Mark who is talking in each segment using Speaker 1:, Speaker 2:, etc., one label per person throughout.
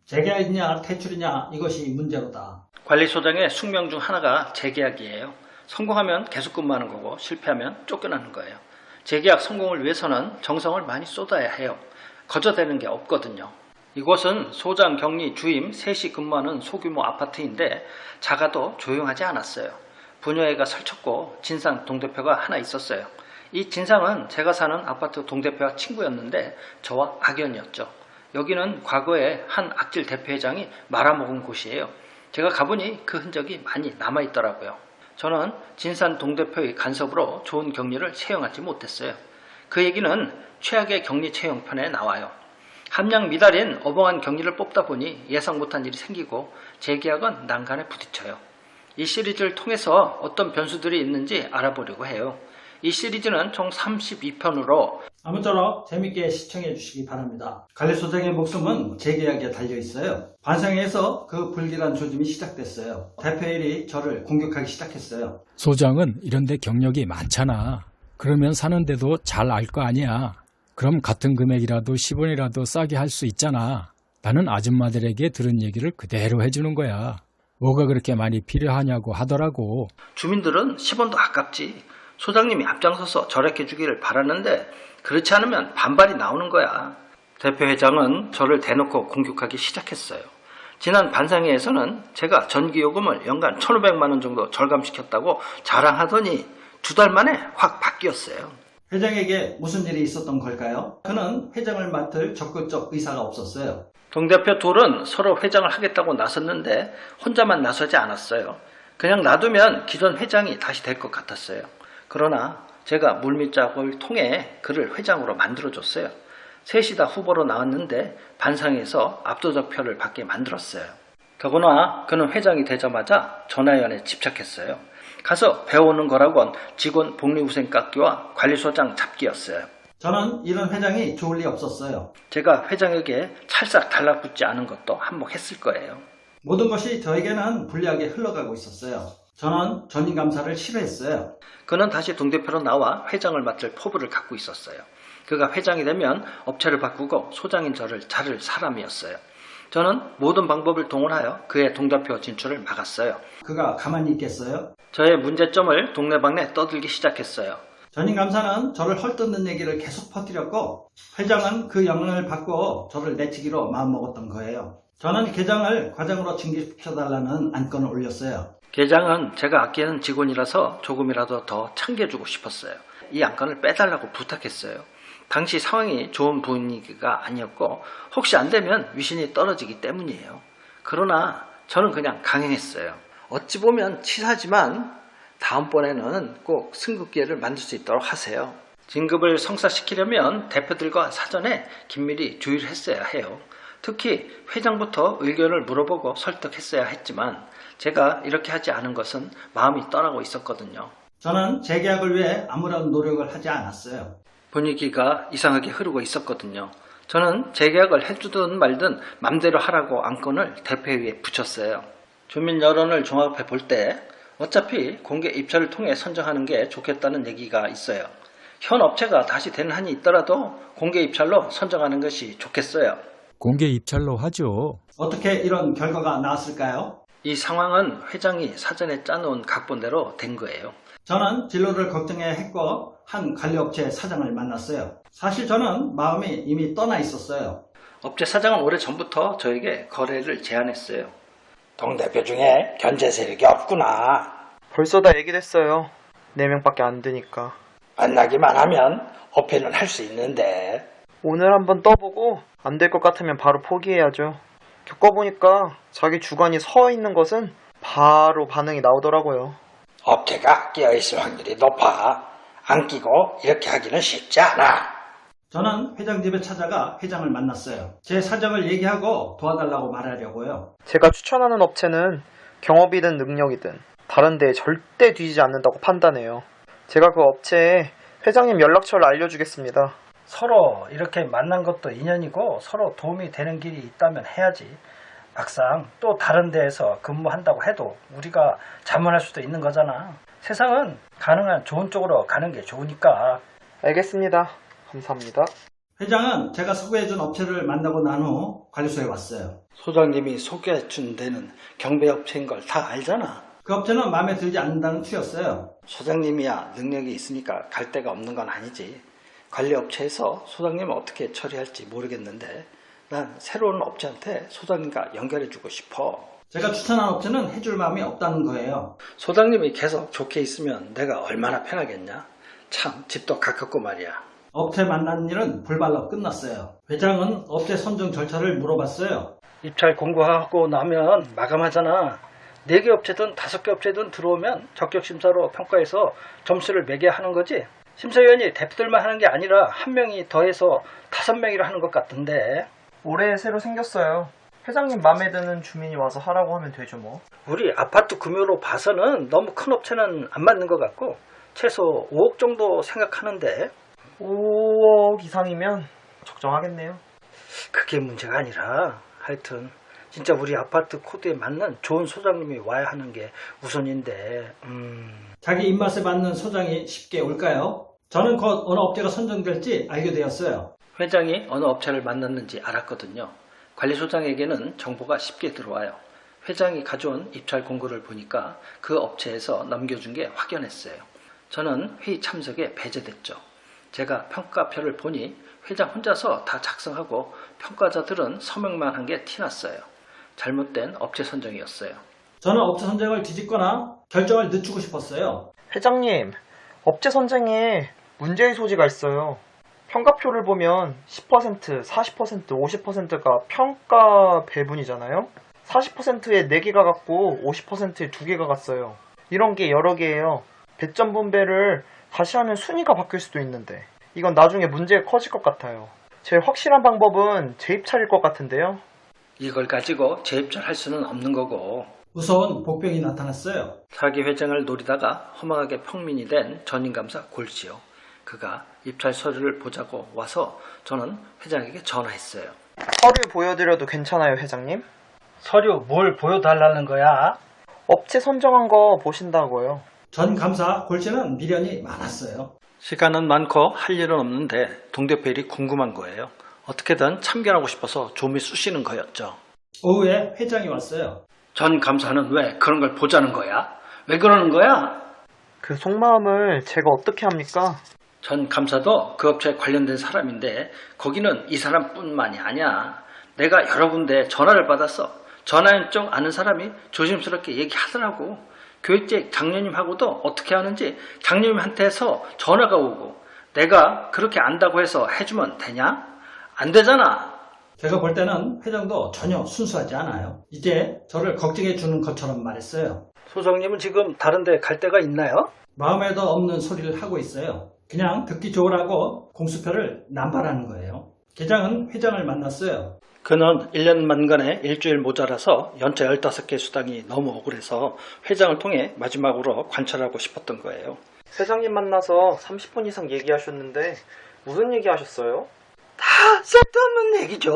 Speaker 1: 재계약이냐 퇴출이냐 이것이 문제로다.
Speaker 2: 관리소장의 숙명 중 하나가 재계약이에요. 성공하면 계속 근무하는 거고 실패하면 쫓겨나는 거예요. 재계약 성공을 위해서는 정성을 많이 쏟아야 해요. 거저되는 게 없거든요. 이곳은 소장, 격리, 주임 셋이 근무하는 소규모 아파트인데 작아도 조용하지 않았어요. 부녀회가 설쳤고 진상 동대표가 하나 있었어요. 이 진상은 제가 사는 아파트 동대표와 친구였는데 저와 악연이었죠. 여기는 과거에 한 악질 대표회장이 말아먹은 곳이에요. 제가 가보니 그 흔적이 많이 남아있더라고요. 저는 진산 동대표의 간섭으로 좋은 격리를 채용하지 못했어요. 그 얘기는 최악의 격리 채용편에 나와요. 함량 미달인 어벙한 격리를 뽑다 보니 예상 못한 일이 생기고 재계약은 난간에 부딪혀요. 이 시리즈를 통해서 어떤 변수들이 있는지 알아보려고 해요. 이 시리즈는 총 32편으로
Speaker 1: 아무쪼록 재밌게 시청해 주시기 바랍니다. 관리소장의 목숨은 재계약에 달려 있어요. 반상회에서 그 불길한 조짐이 시작됐어요. 대표일이 저를 공격하기 시작했어요.
Speaker 3: 소장은 이런데 경력이 많잖아. 그러면 사는데도 잘 알 거 아니야. 그럼 같은 금액이라도 10원이라도 싸게 할 수 있잖아. 나는 아줌마들에게 들은 얘기를 그대로 해주는 거야. 뭐가 그렇게 많이 필요하냐고 하더라고.
Speaker 2: 주민들은 10원도 아깝지. 소장님이 앞장서서 절약해 주기를 바라는데 그렇지 않으면 반발이 나오는 거야. 대표회장은 저를 대놓고 공격하기 시작했어요. 지난 반상회에서는 제가 전기요금을 연간 1,500만 원 정도 절감시켰다고 자랑하더니 2달 만에 확 바뀌었어요.
Speaker 1: 회장에게 무슨 일이 있었던 걸까요? 그는 회장을 맡을 적극적 의사가 없었어요.
Speaker 2: 동대표 둘은 서로 회장을 하겠다고 나섰는데 혼자만 나서지 않았어요. 그냥 놔두면 기존 회장이 다시 될 것 같았어요. 그러나 제가 물밑작업을 통해 그를 회장으로 만들어줬어요. 셋이 다 후보로 나왔는데 반상에서 압도적 표를 받게 만들었어요. 더구나 그는 회장이 되자마자 전화위원회에 집착했어요. 가서 배워오는 거라곤 직원 복리후생 깎기와 관리소장 잡기였어요.
Speaker 1: 저는 이런 회장이 좋을 리 없었어요.
Speaker 2: 제가 회장에게 찰싹 달라붙지 않은 것도 한몫했을 거예요.
Speaker 1: 모든 것이 저에게는 불리하게 흘러가고 있었어요. 저는 전임감사를 싫어했어요.
Speaker 2: 그는 다시 동대표로 나와 회장을 맡을 포부를 갖고 있었어요. 그가 회장이 되면 업체를 바꾸고 소장인 저를 자를 사람이었어요. 저는 모든 방법을 동원하여 그의 동대표 진출을 막았어요.
Speaker 1: 그가 가만히 있겠어요?
Speaker 2: 저의 문제점을 동네방네 떠들기 시작했어요.
Speaker 1: 전임감사는 저를 헐뜯는 얘기를 계속 퍼뜨렸고 회장은 그 영향을 받고 저를 내치기로 마음먹었던 거예요. 저는 계장을 과장으로 징계시켜달라는 안건을 올렸어요.
Speaker 2: 계장은 제가 아끼는 직원이라서 조금이라도 더 챙겨주고 싶었어요. 이 안건을 빼달라고 부탁했어요. 당시 상황이 좋은 분위기가 아니었고 혹시 안 되면 위신이 떨어지기 때문이에요. 그러나 저는 그냥 강행했어요. 어찌 보면 치사하지만 다음번에는 꼭 승급 기회를 만들 수 있도록 하세요. 진급을 성사시키려면 대표들과 사전에 긴밀히 조율을 했어야 해요. 특히 회장부터 의견을 물어보고 설득했어야 했지만 제가 이렇게 하지 않은 것은 마음이 떠나고 있었거든요.
Speaker 1: 저는 재계약을 위해 아무런 노력을 하지 않았어요.
Speaker 2: 분위기가 이상하게 흐르고 있었거든요. 저는 재계약을 해주든 말든 맘대로 하라고 안건을 대표회의에 붙였어요. 주민 여론을 종합해 볼 때 어차피 공개 입찰을 통해 선정하는 게 좋겠다는 얘기가 있어요. 현 업체가 다시 되는 한이 있더라도 공개 입찰로 선정하는 것이 좋겠어요.
Speaker 3: 공개 입찰로 하죠.
Speaker 1: 어떻게 이런 결과가 나왔을까요?
Speaker 2: 이 상황은 회장이 사전에 짜놓은 각본대로 된 거예요.
Speaker 1: 저는 진로를 걱정해 했고 한 관리업체 사장을 만났어요. 사실 저는 마음이 이미 떠나 있었어요.
Speaker 2: 업체 사장은 오래전부터 저에게 거래를 제안했어요. 동대표 중에 견제 세력이 없구나.
Speaker 4: 벌써 다 얘기됐어요. 4명밖에 안 되니까.
Speaker 2: 만나기만 하면 어필은 할 수 있는데.
Speaker 4: 오늘 한번 떠보고 안 될 것 같으면 바로 포기해야죠. 겪어보니까 자기 주관이 서 있는 것은 바로 반응이 나오더라고요.
Speaker 2: 업체가 끼어있을 확률이 높아. 안 끼고 이렇게 하기는 쉽지 않아.
Speaker 1: 저는 회장 집에 찾아가 회장을 만났어요. 제 사정을 얘기하고 도와달라고 말하려고요.
Speaker 4: 제가 추천하는 업체는 경업이든 능력이든 다른 데에 절대 뒤지지 않는다고 판단해요. 제가 그 업체에 회장님 연락처를 알려주겠습니다.
Speaker 2: 서로 이렇게 만난 것도 인연이고 서로 도움이 되는 길이 있다면 해야지. 막상 또 다른 데에서 근무한다고 해도 우리가 자문할 수도 있는 거잖아. 세상은 가능한 좋은 쪽으로 가는 게 좋으니까.
Speaker 4: 알겠습니다. 감사합니다.
Speaker 1: 회장은 제가 소개해준 업체를 만나고 난 후 관리소에 왔어요.
Speaker 2: 소장님이 소개해준 데는 경배업체인 걸 다 알잖아.
Speaker 1: 그 업체는 마음에 들지 않는다는 투였어요.
Speaker 2: 소장님이야 능력이 있으니까 갈 데가 없는 건 아니지. 관리업체에서 소장님을 어떻게 처리할지 모르겠는데 난 새로운 업체한테 소장님과 연결해주고 싶어.
Speaker 1: 제가 추천한 업체는 해줄 마음이 없다는 거예요.
Speaker 2: 소장님이 계속 좋게 있으면 내가 얼마나 편하겠냐. 참 집도 가깝고 말이야.
Speaker 1: 업체 만난 일은 불발로 끝났어요. 회장은 업체 선정 절차를 물어봤어요.
Speaker 2: 입찰 공고하고 나면 마감하잖아. 4개 업체든 5개 업체든 들어오면 적격심사로 평가해서 점수를 매겨야 하는 거지. 심사위원이 대표들만 하는 게 아니라 한 명이 더해서 5명이라 하는 것 같던데.
Speaker 4: 올해 새로 생겼어요. 회장님 마음에 드는 주민이 와서 하라고 하면 되죠 뭐.
Speaker 2: 우리 아파트 구매로 봐서는 너무 큰 업체는 안 맞는 것 같고 최소 5억 정도 생각하는데
Speaker 4: 5억 이상이면 적정하겠네요.
Speaker 2: 그게 문제가 아니라 하여튼 진짜 우리 아파트 코드에 맞는 좋은 소장님이 와야 하는 게 우선인데
Speaker 1: 자기 입맛에 맞는 소장이 쉽게 올까요? 저는 곧 어느 업체가 선정될지 알게 되었어요.
Speaker 2: 회장이 어느 업체를 만났는지 알았거든요. 관리소장에게는 정보가 쉽게 들어와요. 회장이 가져온 입찰 공고를 보니까 그 업체에서 넘겨준 게 확연했어요. 저는 회의 참석에 배제됐죠. 제가 평가표를 보니 회장 혼자서 다 작성하고 평가자들은 서명만 한 게 티났어요. 잘못된 업체 선정이었어요.
Speaker 1: 저는 업체 선정을 뒤집거나 결정을 늦추고 싶었어요.
Speaker 4: 회장님, 업체 선정에 문제의 소지가 있어요. 평가표를 보면 10%, 40%, 50%가 평가 배분이잖아요. 40%에 4개가 갔고 50%에 2개가 갔어요. 이런 게 여러 개예요. 배점 분배를 다시 하면 순위가 바뀔 수도 있는데 이건 나중에 문제가 커질 것 같아요. 제일 확실한 방법은 재입찰일 것 같은데요.
Speaker 2: 이걸 가지고 재입찰할 수는 없는 거고
Speaker 1: 무서운 복병이 나타났어요.
Speaker 2: 사기 회장을 노리다가 허망하게 평민이 된 전임감사 골지요. 그가 입찰 서류를 보자고 와서 저는 회장에게 전화했어요.
Speaker 4: 서류 보여드려도 괜찮아요, 회장님?
Speaker 2: 서류 뭘 보여달라는 거야?
Speaker 4: 업체 선정한 거 보신다고요.
Speaker 1: 전 감사 골치는 미련이 많았어요.
Speaker 2: 시간은 많고 할 일은 없는데 동대표 일이 궁금한 거예요. 어떻게든 참견하고 싶어서 좀이 쑤시는 거였죠.
Speaker 1: 오후에 회장이 왔어요.
Speaker 2: 전 감사는 왜 그런 걸 보자는 거야? 왜 그러는 거야?
Speaker 4: 그 속마음을 제가 어떻게 합니까?
Speaker 2: 전 감사도 그 업체에 관련된 사람인데 거기는 이 사람뿐만이 아니야. 내가 여러 군데 전화를 받았어. 전화연 쪽 아는 사람이 조심스럽게 얘기하더라고. 교육직 장로님하고도 어떻게 하는지 장로님한테서 전화가 오고 내가 그렇게 안다고 해서 해주면 되냐? 안 되잖아.
Speaker 1: 제가 볼 때는 회장도 전혀 순수하지 않아요. 이제 저를 걱정해 주는 것처럼 말했어요.
Speaker 2: 소장님은 지금 다른 데 갈 데가 있나요?
Speaker 1: 마음에도 없는 소리를 하고 있어요. 그냥 듣기 좋으라고 공수표를 남발하는 거예요. 계장은 회장을 만났어요.
Speaker 2: 그는 1년 만간에 일주일 모자라서 연차 15개 수당이 너무 억울해서 회장을 통해 마지막으로 관찰하고 싶었던 거예요.
Speaker 4: 회장님 만나서 30분 이상 얘기하셨는데 무슨 얘기 하셨어요?
Speaker 2: 다 쓸데없는 얘기죠.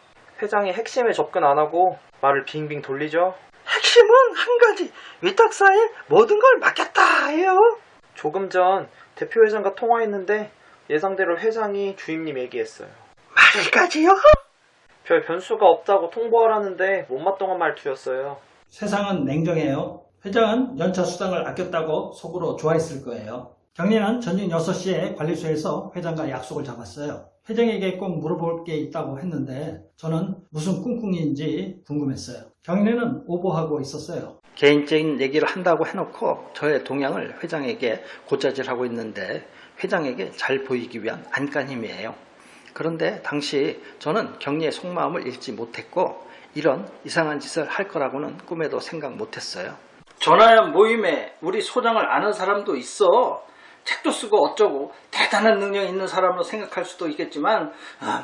Speaker 4: 회장이 핵심에 접근 안 하고 말을 빙빙 돌리죠.
Speaker 2: 핵심은 한 가지, 위탁사에 모든 걸 맡겼다 해요.
Speaker 4: 조금 전 대표 회장과 통화했는데 예상대로 회장이 주임님 얘기했어요.
Speaker 2: 말까지요?
Speaker 4: 별 변수가 없다고 통보하라는데 못마땅한 말투였어요.
Speaker 1: 세상은 냉정해요. 회장은 연차 수당을 아꼈다고 속으로 좋아했을 거예요. 경리는 저녁 6시에 관리소에서 회장과 약속을 잡았어요. 회장에게 꼭 물어볼 게 있다고 했는데 저는 무슨 꿍꿍인지 궁금했어요. 경리는 오버하고 있었어요.
Speaker 2: 개인적인 얘기를 한다고 해놓고 저의 동향을 회장에게 고자질하고 있는데 회장에게 잘 보이기 위한 안간힘이에요. 그런데 당시 저는 경리의 속마음을 읽지 못했고 이런 이상한 짓을 할 거라고는 꿈에도 생각 못했어요. 전화연 모임에 우리 소장을 아는 사람도 있어. 책도 쓰고 어쩌고 대단한 능력이 있는 사람으로 생각할 수도 있겠지만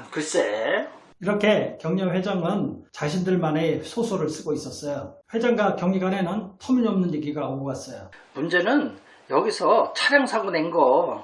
Speaker 2: 글쎄.
Speaker 1: 이렇게 경리 회장은 자신들만의 소설을 쓰고 있었어요. 회장과 경리 간에는 터무니없는 얘기가 오고 갔어요.
Speaker 2: 문제는 여기서 차량 사고 낸 거.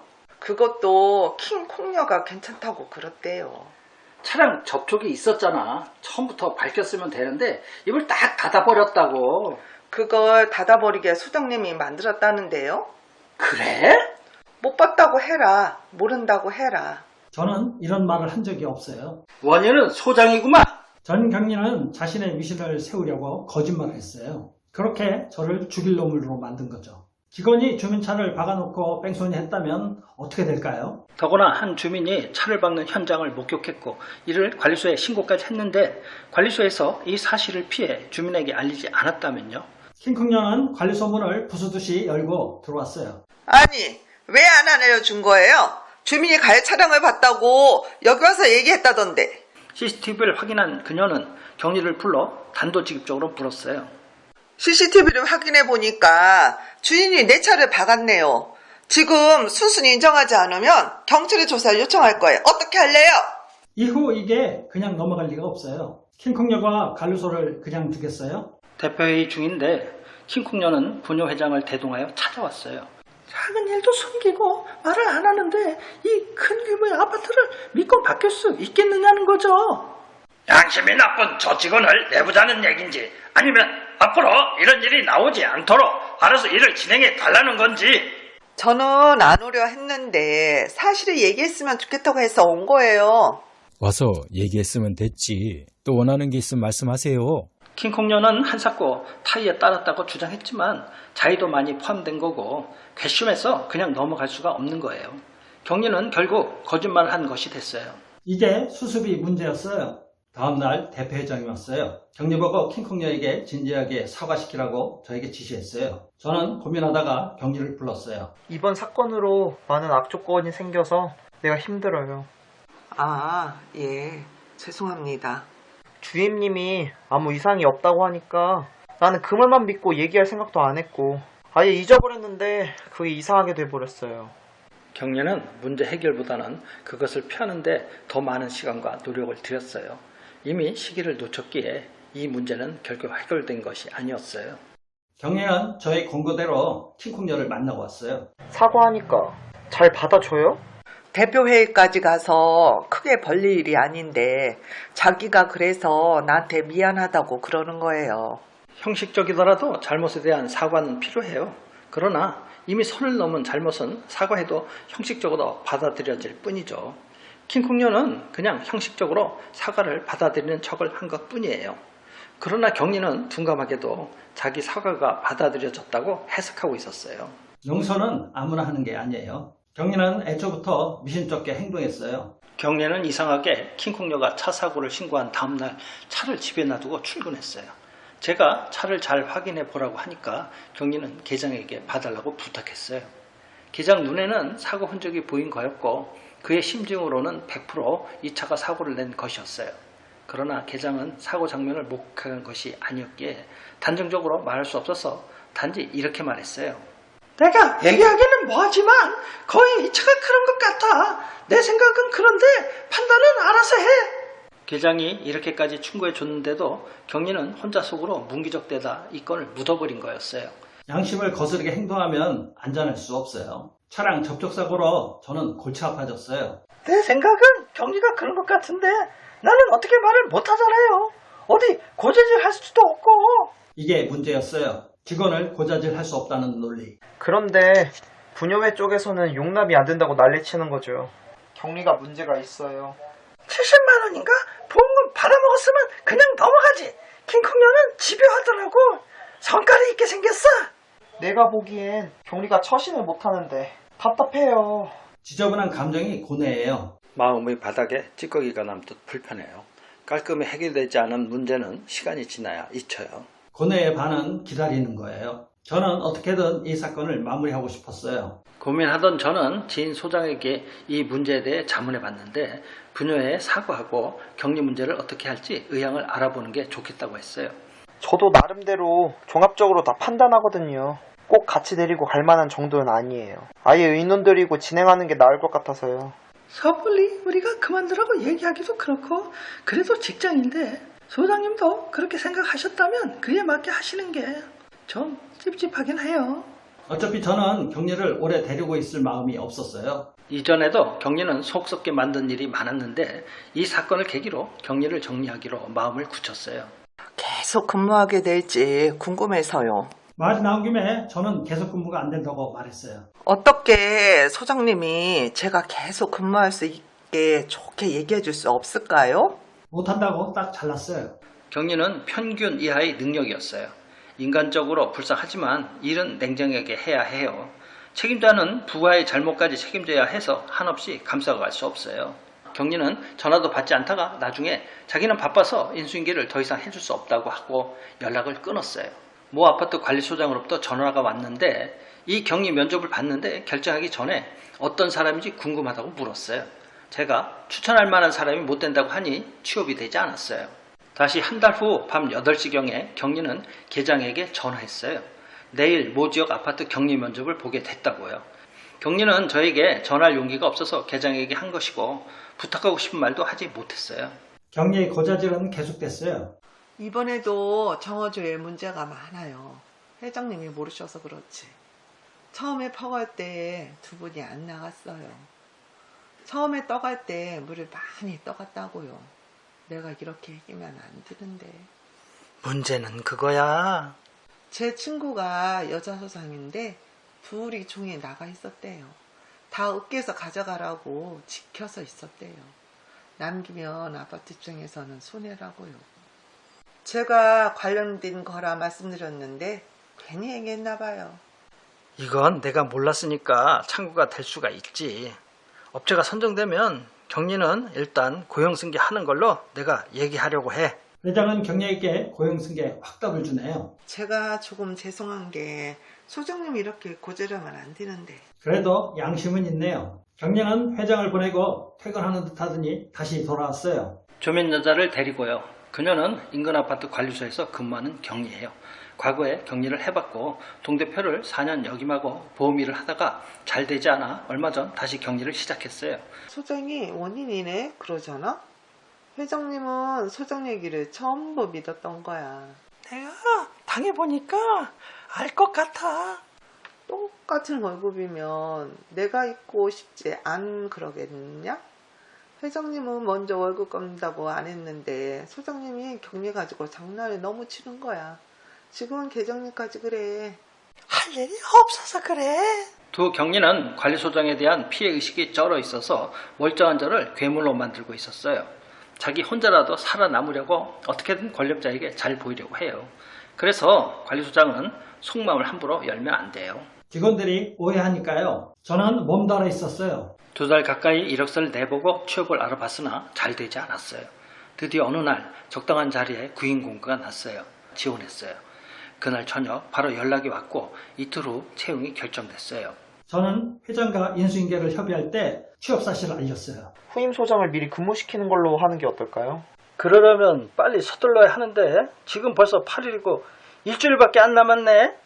Speaker 5: 그것도 킹콩녀가 괜찮다고 그랬대요.
Speaker 2: 차량 접촉이 있었잖아. 처음부터 밝혔으면 되는데 입을 딱 닫아버렸다고.
Speaker 5: 그걸 닫아버리게 소장님이 만들었다는데요.
Speaker 2: 그래?
Speaker 5: 못 봤다고 해라. 모른다고 해라.
Speaker 1: 저는 이런 말을 한 적이 없어요.
Speaker 2: 원인은 소장이구만.
Speaker 1: 전 경리는 자신의 위신을 세우려고 거짓말을 했어요. 그렇게 저를 죽일 놈으로 만든 거죠. 직원이 주민차를 박아놓고 뺑소니 했다면 어떻게 될까요?
Speaker 2: 더구나 한 주민이 차를 박는 현장을 목격했고 이를 관리소에 신고까지 했는데 관리소에서 이 사실을 피해 주민에게 알리지 않았다면요.
Speaker 1: 킹콩녀는 관리소 문을 부수듯이 열고 들어왔어요.
Speaker 5: 아니, 왜 안 알려준 거예요? 주민이 가해 차량을 봤다고 여기 와서 얘기했다던데.
Speaker 2: CCTV를 확인한 그녀는 경리를 불러 단도직입적으로 물었어요.
Speaker 5: CCTV를 확인해 보니까 주인이 내 차를 박았네요. 지금 순순히 인정하지 않으면 경찰에 조사를 요청할 거예요. 어떻게 할래요?
Speaker 1: 이후 이게 그냥 넘어갈 리가 없어요. 킹콩녀가 관리소를 그냥 두겠어요?
Speaker 2: 대표회의 중인데 킹콩녀는 분녀회장을 대동하여 찾아왔어요. 작은 일도 숨기고 말을 안 하는데 이 큰 규모의 아파트를 믿고 맡길 수 있겠느냐는 거죠. 양심이 나쁜 저 직원을 내보자는 얘긴지 아니면 앞으로 이런 일이 나오지 않도록 알아서 일을 진행해 달라는 건지.
Speaker 5: 저는 안 오려 했는데 사실을 얘기했으면 좋겠다고 해서 온 거예요.
Speaker 3: 와서 얘기했으면 됐지. 또 원하는 게 있으면 말씀하세요.
Speaker 2: 킹콩녀는 한사코 타이에 따랐다고 주장했지만 자의도 많이 포함된 거고 괘씸해서 그냥 넘어갈 수가 없는 거예요. 경리는 결국 거짓말을 한 것이 됐어요.
Speaker 1: 이게 수습이 문제였어요. 다음날 대표회장이 왔어요. 경리 보고 킹콩녀에게 진지하게 사과시키라고 저에게 지시했어요. 저는 고민하다가 경리를 불렀어요.
Speaker 4: 이번 사건으로 많은 악조건이 생겨서 내가 힘들어요.
Speaker 5: 아, 예. 죄송합니다.
Speaker 4: 주임님이 아무 이상이 없다고 하니까 나는 그 말만 믿고 얘기할 생각도 안 했고 아예 잊어버렸는데 그게 이상하게 돼버렸어요.
Speaker 2: 경리는 문제 해결보다는 그것을 피하는데 더 많은 시간과 노력을 들였어요. 이미 시기를 놓쳤기에 이 문제는 결국 해결된 것이 아니었어요.
Speaker 1: 경리는 저의 권고대로 킹콩녀를 만나고 왔어요.
Speaker 4: 사과하니까 잘 받아줘요?
Speaker 5: 대표회의까지 가서 크게 벌릴 일이 아닌데 자기가 그래서 나한테 미안하다고 그러는 거예요.
Speaker 2: 형식적이더라도 잘못에 대한 사과는 필요해요. 그러나 이미 선을 넘은 잘못은 사과해도 형식적으로 받아들여질 뿐이죠. 킹콩녀는 그냥 형식적으로 사과를 받아들이는 척을 한 것뿐이에요. 그러나 경리는 둔감하게도 자기 사과가 받아들여졌다고 해석하고 있었어요.
Speaker 1: 용서는 아무나 하는 게 아니에요. 경리는 애초부터 미심쩍게 행동했어요.
Speaker 2: 경리는 이상하게 킹콩녀가 차 사고를 신고한 다음날 차를 집에 놔두고 출근했어요. 제가 차를 잘 확인해 보라고 하니까 경리는 계장에게 봐달라고 부탁했어요. 계장 눈에는 사고 흔적이 보인 거였고 그의 심증으로는 100% 이 차가 사고를 낸 것이었어요. 그러나 계장은 사고 장면을 목격한 것이 아니었기에 단정적으로 말할 수 없어서 단지 이렇게 말했어요. 내가 얘기하기는 뭐하지만 거의 이 차가 그런 것 같아. 내 생각은 그런데 판단은 알아서 해. 계장이 이렇게까지 충고해 줬는데도 경리는 혼자 속으로 문기적대다 이 건을 묻어버린 거였어요.
Speaker 1: 양심을 거스르게 행동하면 안전할 수 없어요. 차량 접촉사고로 저는 골치 아파졌어요.
Speaker 2: 내 생각은 경리가 그런 것 같은데 나는 어떻게 말을 못하잖아요. 어디 고재질 할 수도 없고.
Speaker 1: 이게 문제였어요. 직원을 고자질할 수 없다는 논리.
Speaker 4: 그런데 분녀회 쪽에서는 용납이 안 된다고 난리치는 거죠. 경리가 문제가 있어요.
Speaker 2: 70만 원인가? 보험금 받아먹었으면 그냥 넘어가지. 킹콩녀는 집요하더라고. 성깔이 있게 생겼어.
Speaker 4: 내가 보기엔 경리가 처신을 못하는데 답답해요.
Speaker 1: 지저분한 감정이 고뇌예요.
Speaker 2: 마음의 바닥에 찌꺼기가 남듯 불편해요. 깔끔히 해결되지 않은 문제는 시간이 지나야 잊혀요.
Speaker 1: 고뇌의 반은 기다리는 거예요. 저는 어떻게든 이 사건을 마무리하고 싶었어요.
Speaker 2: 고민하던 저는 지인 소장에게 이 문제에 대해 자문해 봤는데 분녀회에 사과하고 격리 문제를 어떻게 할지 의향을 알아보는 게 좋겠다고 했어요.
Speaker 4: 저도 나름대로 종합적으로 다 판단하거든요. 꼭 같이 데리고 갈 만한 정도는 아니에요. 아예 의논 드리고 진행하는 게 나을 것 같아서요.
Speaker 2: 섣불리 우리가 그만두라고 얘기하기도 그렇고 그래도 직장인데 소장님도 그렇게 생각하셨다면 그에 맞게 하시는 게 좀 찝찝하긴 해요.
Speaker 1: 어차피 저는 경리를 오래 데리고 있을 마음이 없었어요.
Speaker 2: 이전에도 경리는 속 썩게 만든 일이 많았는데 이 사건을 계기로 경리를 정리하기로 마음을 굳혔어요.
Speaker 5: 계속 근무하게 될지 궁금해서요.
Speaker 1: 말이 나온 김에 저는 계속 근무가 안 된다고 말했어요.
Speaker 5: 어떻게 소장님이 제가 계속 근무할 수 있게 회장님께 좋게 얘기해 줄 수 없을까요?
Speaker 1: 못한다고 딱 잘랐어요.
Speaker 2: 경리는 평균 이하의 능력이었어요. 인간적으로 불쌍하지만 일은 냉정하게 해야 해요. 책임자는 부하의 잘못까지 책임져야 해서 한없이 감싸갈 수 없어요. 경리는 전화도 받지 않다가 나중에 자기는 바빠서 인수인계를 더 이상 해줄 수 없다고 하고 연락을 끊었어요. 모 아파트 관리소장으로부터 전화가 왔는데 이 경리 면접을 봤는데 결정하기 전에 어떤 사람인지 궁금하다고 물었어요. 제가 추천할 만한 사람이 못 된다고 하니 취업이 되지 않았어요. 다시 한 달 후 밤 8시경에 경리는 계장에게 전화했어요. 내일 모 지역 아파트 격리 면접을 보게 됐다고요. 경리는 저에게 전할 용기가 없어서 계장에게 한 것이고 부탁하고 싶은 말도 하지 못했어요.
Speaker 1: 격리의 고자질은 계속됐어요.
Speaker 5: 이번에도 정어조에 문제가 많아요. 회장님이 모르셔서 그렇지. 처음에 퍼갈 때 두 분이 안 나갔어요. 처음에 떠갈 때 물을 많이 떠갔다고요. 내가 이렇게 얘기면 안 되는데.
Speaker 2: 문제는 그거야.
Speaker 5: 제 친구가 여자 소장인데 둘이 종에 나가 있었대요. 다 으깨서 가져가라고 지켜서 있었대요. 남기면 아파트 입장에서는 손해라고요. 제가 관련된 거라 말씀드렸는데 괜히 얘기했나 봐요.
Speaker 2: 이건 내가 몰랐으니까 창구가 될 수가 있지. 업체가 선정되면 경리는 일단 고용승계하는 걸로 내가 얘기하려고 해.
Speaker 1: 회장은 경리에게 고용승계 확답을 주네요.
Speaker 5: 제가 조금 죄송한 게 소장님이 이렇게 고재려면 안 되는데.
Speaker 1: 그래도 양심은 있네요. 경리는 회장을 보내고 퇴근하는 듯 하더니 다시 돌아왔어요.
Speaker 2: 조면 여자를 데리고요. 그녀는 인근 아파트 관리소에서 근무하는 경리예요. 과거에 격리를 해봤고 동대표를 4년 역임하고 보험 일을 하다가 잘 되지 않아 얼마 전 다시 격리를 시작했어요.
Speaker 5: 소장이 원인이네 그러잖아? 회장님은 소장 얘기를 전부 믿었던 거야.
Speaker 2: 내가 당해보니까 알 것 같아.
Speaker 5: 똑같은 월급이면 내가 있고 싶지 않 그러겠냐? 회장님은 먼저 월급 깎는다고 안 했는데 소장님이 격리 가지고 장난을 너무 치는 거야. 지금은 계장님까지 그래.
Speaker 2: 할 일이 없어서 그래. 두 경리는 관리소장에 대한 피해의식이 쩔어 있어서 멀쩡한 저를 괴물로 만들고 있었어요. 자기 혼자라도 살아남으려고 어떻게든 권력자에게 잘 보이려고 해요. 그래서 관리소장은 속마음을 함부로 열면 안 돼요.
Speaker 1: 직원들이 오해하니까요. 저는 몸달아 있었어요.
Speaker 2: 2달 가까이 이력서를 내보고 취업을 알아봤으나 잘 되지 않았어요. 드디어 어느 날 적당한 자리에 구인 공고가 났어요. 지원했어요. 그날 저녁 바로 연락이 왔고 이틀 후 채용이 결정됐어요.
Speaker 1: 저는 회장과 인수인계를 협의할 때 취업 사실을 알렸어요.
Speaker 4: 후임 소장을 미리 근무시키는 걸로 하는 게 어떨까요?
Speaker 2: 그러려면 빨리 서둘러야 하는데 지금 벌써 8일이고 일주일밖에 안 남았네.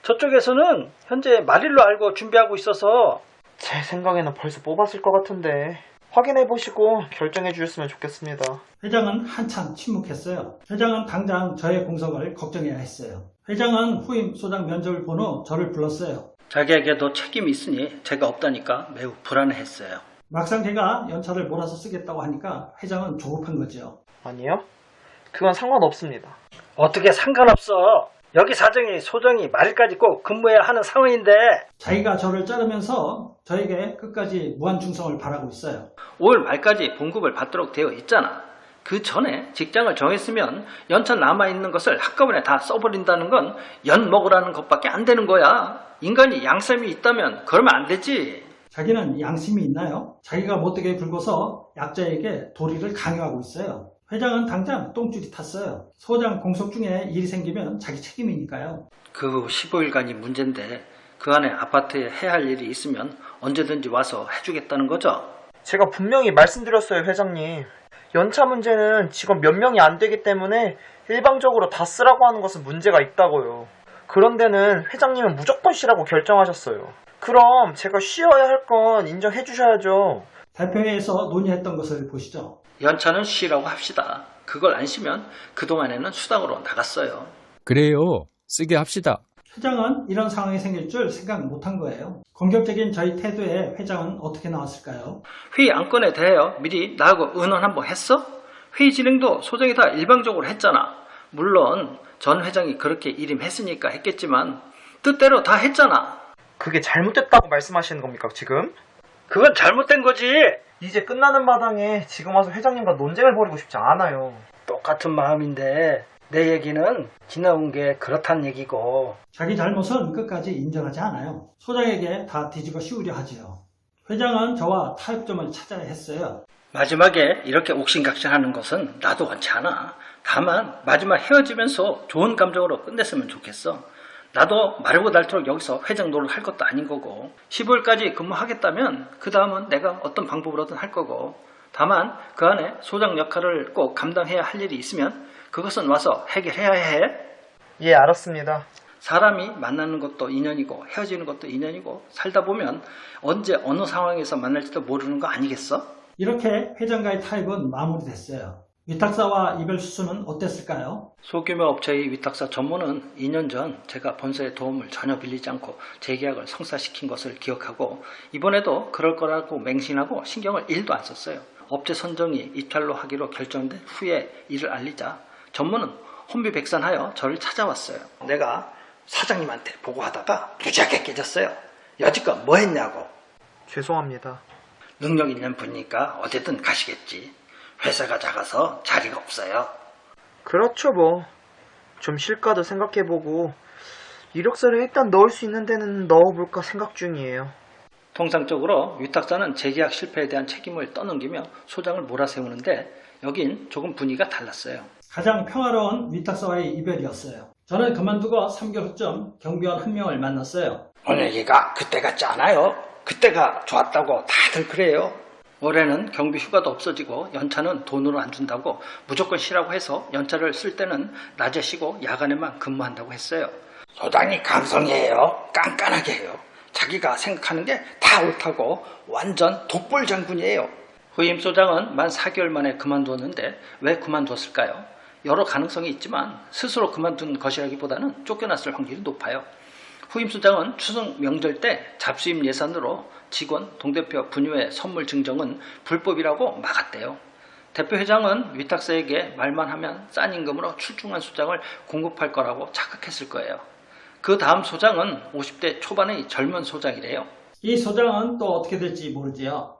Speaker 2: 저쪽에서는 현재 말일로 알고 준비하고 있어서.
Speaker 4: 제 생각에는 벌써 뽑았을 것 같은데 확인해보시고 결정해 주셨으면 좋겠습니다.
Speaker 1: 회장은 한참 침묵했어요. 회장은 당장 저의 공석을 걱정해야 했어요. 회장은 후임 소장 면접을 본 후 저를 불렀어요.
Speaker 2: 자기에게도 책임이 있으니 제가 없다니까 매우 불안해했어요.
Speaker 1: 막상 걔가 연차를 몰아서 쓰겠다고 하니까 회장은 조급한 거죠.
Speaker 4: 아니요? 그건 상관없습니다.
Speaker 2: 어떻게 상관없어. 여기 사정이 소정이 말일까지 꼭 근무해야 하는 상황인데.
Speaker 1: 자기가 저를 자르면서 저에게 끝까지 무한충성을 바라고 있어요.
Speaker 2: 5월 말까지 봉급을 받도록 되어 있잖아. 그 전에 직장을 정했으면 연차 남아있는 것을 한꺼번에 다 써버린다는 건 연 먹으라는 것밖에 안 되는 거야. 인간이 양심이 있다면 그러면 안 되지.
Speaker 1: 자기는 양심이 있나요? 자기가 못되게 굴고서 약자에게 도리를 강요하고 있어요. 회장은 당장 똥줄이 탔어요. 소장 공석 중에 일이 생기면 자기 책임이니까요.
Speaker 2: 그 15일간이 문제인데 그 안에 아파트에 해야 할 일이 있으면 언제든지 와서 해주겠다는 거죠.
Speaker 4: 제가 분명히 말씀드렸어요, 회장님. 연차 문제는 직원 몇 명이 안 되기 때문에 일방적으로 다 쓰라고 하는 것은 문제가 있다고요. 그런 데는 회장님은 무조건 쉬라고 결정하셨어요. 그럼 제가 쉬어야 할 건 인정해 주셔야죠.
Speaker 1: 대표회에서 논의했던 것을 보시죠.
Speaker 2: 연차는 쉬라고 합시다. 그걸 안 쉬면 그동안에는 수당으로 나갔어요.
Speaker 3: 그래요. 쓰게 합시다.
Speaker 1: 회장은 이런 상황이 생길 줄 생각 못한 거예요. 공격적인 저희 태도에 회장은 어떻게 나왔을까요?
Speaker 2: 회의 안건에 대하여 미리 나하고 의논 한번 했어? 회의 진행도 소정이 다 일방적으로 했잖아. 물론 전 회장이 그렇게 일임했으니까 했겠지만 뜻대로 다 했잖아.
Speaker 4: 그게 잘못됐다고 말씀하시는 겁니까, 지금?
Speaker 2: 그건 잘못된 거지.
Speaker 4: 이제 끝나는 마당에 지금 와서 회장님과 논쟁을 벌이고 싶지 않아요.
Speaker 2: 똑같은 마음인데 내 얘기는 지나온 게 그렇단 얘기고.
Speaker 1: 자기 잘못은 끝까지 인정하지 않아요. 소장에게 다 뒤집어 씌우려 하지요. 회장은 저와 타협점을 찾아야 했어요.
Speaker 2: 마지막에 이렇게 옥신각신하는 것은 나도 원치 않아. 다만 마지막 헤어지면서 좋은 감정으로 끝냈으면 좋겠어. 나도 마르고 닳도록 여기서 회장 노릇 할 것도 아닌 거고 15일까지 근무하겠다면 그 다음은 내가 어떤 방법으로든 할 거고 다만 그 안에 소장 역할을 꼭 감당해야 할 일이 있으면 그것은 와서 해결해야 해.
Speaker 4: 예, 알았습니다.
Speaker 2: 사람이 만나는 것도 인연이고 헤어지는 것도 인연이고 살다 보면 언제 어느 상황에서 만날지도 모르는 거 아니겠어?
Speaker 1: 이렇게 회장과의 타협은 마무리됐어요. 위탁사와 이별 수순은 어땠을까요?
Speaker 2: 소규모 업체의 위탁사 전무는 2년 전 제가 본사의 도움을 전혀 빌리지 않고 재계약을 성사시킨 것을 기억하고 이번에도 그럴 거라고 맹신하고 신경을 1도 안 썼어요. 업체 선정이 입찰로 하기로 결정된 후에 이를 알리자 전무는 혼비백산하여 저를 찾아왔어요. 내가 사장님한테 보고하다가 무지하게 깨졌어요. 여지껏 뭐 했냐고.
Speaker 4: 죄송합니다.
Speaker 2: 능력 있는 분이니까 어디든 가시겠지. 회사가 작아서 자리가 없어요.
Speaker 4: 그렇죠 뭐. 좀 실과도 생각해보고 이력서를 일단 넣을 수 있는 데는 넣어볼까 생각 중이에요.
Speaker 2: 통상적으로 위탁사는 재계약 실패에 대한 책임을 떠넘기며 소장을 몰아세우는데 여긴 조금 분위기가 달랐어요.
Speaker 1: 가장 평화로운 위탁사와의 이별이었어요. 저는 그만두고 3개월 후쯤 경비원 한 명을 만났어요.
Speaker 2: 오늘 얘기가 그때 같지 않아요. 그때가 좋았다고 다들 그래요. 올해는 경비 휴가도 없어지고 연차는 돈으로 안 준다고 무조건 쉬라고 해서 연차를 쓸 때는 낮에 쉬고 야간에만 근무한다고 했어요. 소장이 강성이에요. 깐깐하게 해요. 자기가 생각하는 게 다 옳다고 완전 독불 장군이에요. 후임 소장은 만 4개월 만에 그만두었는데 왜 그만두었을까요? 여러 가능성이 있지만 스스로 그만둔 것이라기보다는 쫓겨났을 확률이 높아요. 후임 소장은 추석 명절 때 잡수임 예산으로 직원, 동대표 분유회 선물 증정은 불법이라고 막았대요. 대표 회장은 위탁사에게 말만 하면 싼 임금으로 출중한 소장을 공급할 거라고 착각했을 거예요. 그 다음 소장은 50대 초반의 젊은 소장이래요.
Speaker 1: 이 소장은 또 어떻게 될지 모르지요.